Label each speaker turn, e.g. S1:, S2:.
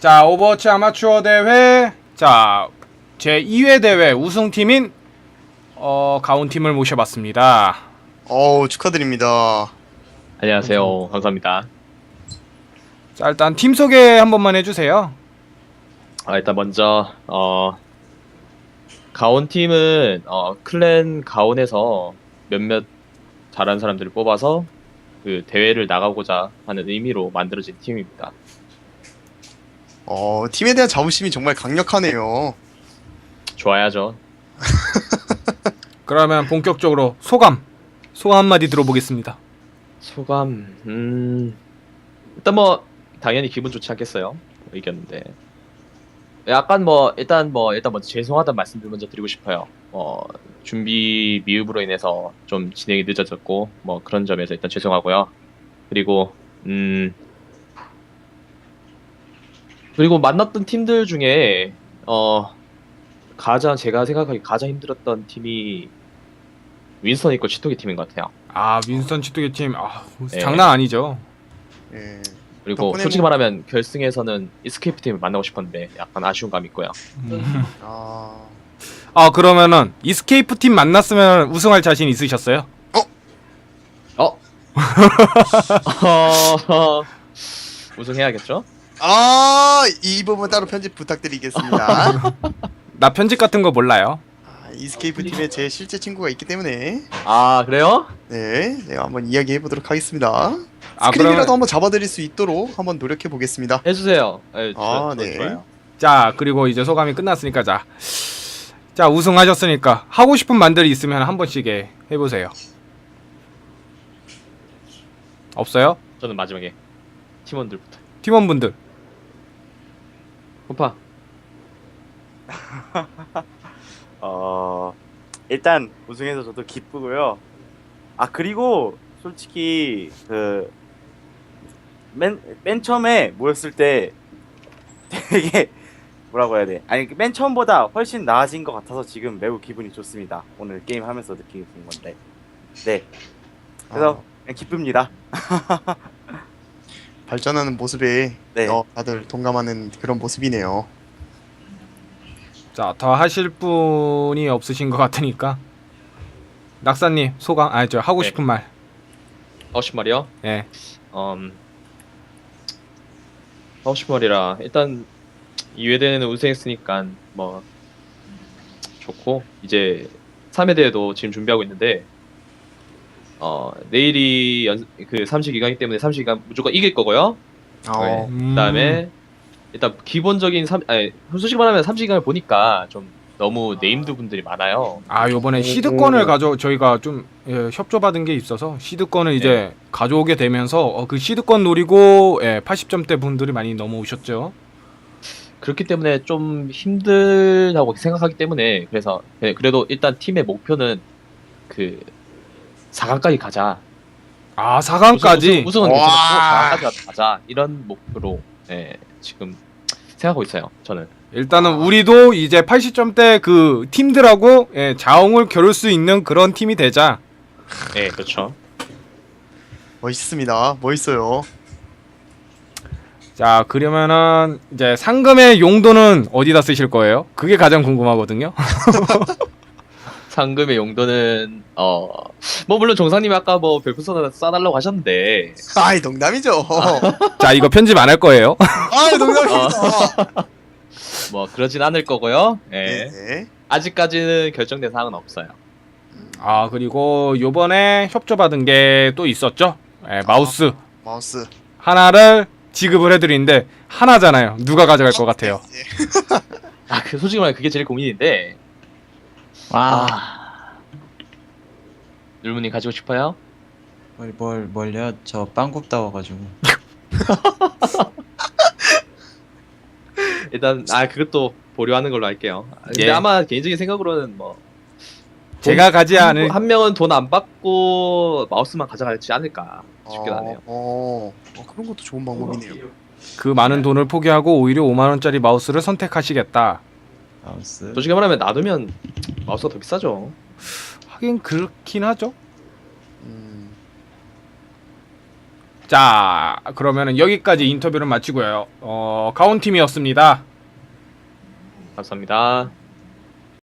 S1: 자, 오버워치 아마추어 대회, 자, 제 2회 대회 우승팀인 가온팀을 모셔봤습니다.
S2: 축하드립니다.
S3: 안녕하세요. 감사합니다.
S1: 자, 일단 팀 소개 한 번만 해주세요.
S3: 일단 먼저 가온 팀은 클랜 가온에서 몇몇 잘하는 사람들을 뽑아서 그 대회를 나가고자 하는 의미로 만들어진 팀입니다.
S2: 팀에 대한 자부심이 정말 강력하네요.
S3: 좋아야죠.
S1: 그러면 본격적으로 소감 한마디 들어보겠습니다.
S3: 소감 일단 뭐 당연히 기분 좋지 않겠어요. 이겼는데 약간 일단 먼저 죄송하다는 말씀을 먼저 드리고 싶어요. 준비 미흡으로 인해서 좀 진행이 늦어졌고 그런 점에서 일단 죄송하고요. 그리고 만났던 팀들 중에 제가 생각하기 가장 힘들었던 팀이 윈스턴 있고 치토기 팀인 것 같아요.
S1: 아, 윈스턴 치토기 팀,
S3: 네.
S1: 장난 아니죠.
S2: 예.
S3: 그리고 솔직히 말하면 결승에서는 이스케이프 팀을 만나고 싶었는데 약간 아쉬운 감이 있고요.
S1: 그러면은 이스케이프 팀 만났으면 우승할 자신 있으셨어요?
S3: 우승해야겠죠?
S2: 이 부분 따로 편집 부탁드리겠습니다.
S1: 나 편집 같은 거 몰라요.
S2: 이스케이프 팀에 제 실제 친구가 있기 때문에
S3: 그래요?
S2: 네, 내가 한번 이야기해 보도록 하겠습니다.
S1: 그러면
S2: 스크린이라도 한번 잡아드릴 수 있도록 한번 노력해 보겠습니다.
S3: 해주세요.
S2: 네.
S3: 좋아요.
S1: 자, 그리고 이제 소감이 끝났으니까 자 우승하셨으니까 하고 싶은 말들이 있으면 한 번씩 해보세요. 없어요?
S3: 저는 마지막에 팀원들부터.
S1: 팀원분들.
S3: 홈파.
S4: 일단 우승해서 저도 기쁘고요. 그리고 솔직히 맨 처음에 모였을 때 되게 뭐라고 해야 돼? 맨 처음보다 훨씬 나아진 것 같아서 지금 매우 기분이 좋습니다. 오늘 게임 하면서 느끼는 건데. 네. 그래서 그냥 기쁩니다.
S2: 발전하는 모습에
S4: 네.
S2: 다들 동감하는 그런 모습이네요.
S1: 자, 더 하실 분이 없으신 것 같으니까 낙사님 소감, 하고
S3: 네.
S1: 싶은 말.
S3: 하고 싶은 말이요?
S1: 예.
S3: 하고 싶은 말이라 일단 2회 대회는 우승했으니까 좋고 이제 3회 대회도 지금 준비하고 있는데 내일이 그 32강이기 때문에 32강 무조건 이길 거고요. 네. 그다음에 일단 기본적인 솔직히 말하면 32강을 보니까 좀 너무 네임드 분들이 많아요.
S1: 요번에 시드권을 저희가 좀 협조받은 게 있어서 시드권을 이제 가져오게 되면서 그 시드권 노리고 80점대 분들이 많이 넘어오셨죠.
S3: 그렇기 때문에 좀 힘들다고 생각하기 때문에 그래도 일단 팀의 목표는 그 4강까지 가자.
S1: 4강까지?
S3: 우승은 괜찮고 4강까지 가자. 이런 목표로 지금 생각하고 있어요. 저는.
S1: 일단은 우리도 이제 80점대 그 팀들하고 자웅을 겨룰 수 있는 그런 팀이 되자.
S3: 네, 그렇죠.
S2: 멋있습니다. 멋있어요.
S1: 자, 그러면은 이제 상금의 용도는 어디다 쓰실 거예요? 그게 가장 궁금하거든요.
S3: 상금의 용도는 물론 정상님이 아까 별풍선 쏴달라고 하셨는데
S2: 농담이죠.
S1: 자, 이거 편집 안 할 거예요.
S2: 농담입니다.
S3: 그러진 않을 거고요.
S2: 네.
S3: 아직까지는 결정된 사항은 없어요.
S1: 그리고 요번에 협조받은 게 또 있었죠. 마우스
S2: 마우스
S1: 하나를 지급을 해드리는데 하나잖아요. 누가 가져갈 것 같아요?
S3: 솔직히 말해 그게 제일 고민인데. 율무님 가지고 싶어요?
S5: 뭘요? 저 빵 굽다 와가지고.
S3: 일단 그것도 보류하는 걸로 할게요. 근데 아마 개인적인 생각으로는
S1: 제가 가지 않을
S3: 한 명은 돈 안 받고 마우스만 가져가지 않을까 싶긴 하네요.
S2: 그런 것도 좋은 방법이네요.
S1: 그 많은 돈을 포기하고 오히려 5만 원짜리 마우스를 선택하시겠다.
S5: 마우스.
S3: 솔직히 말하면 놔두면 마우스가 더 비싸죠.
S1: 하긴 그렇긴 하죠. 자, 그러면은 여기까지 인터뷰를 마치고요. 가온팀이었습니다.
S3: 감사합니다.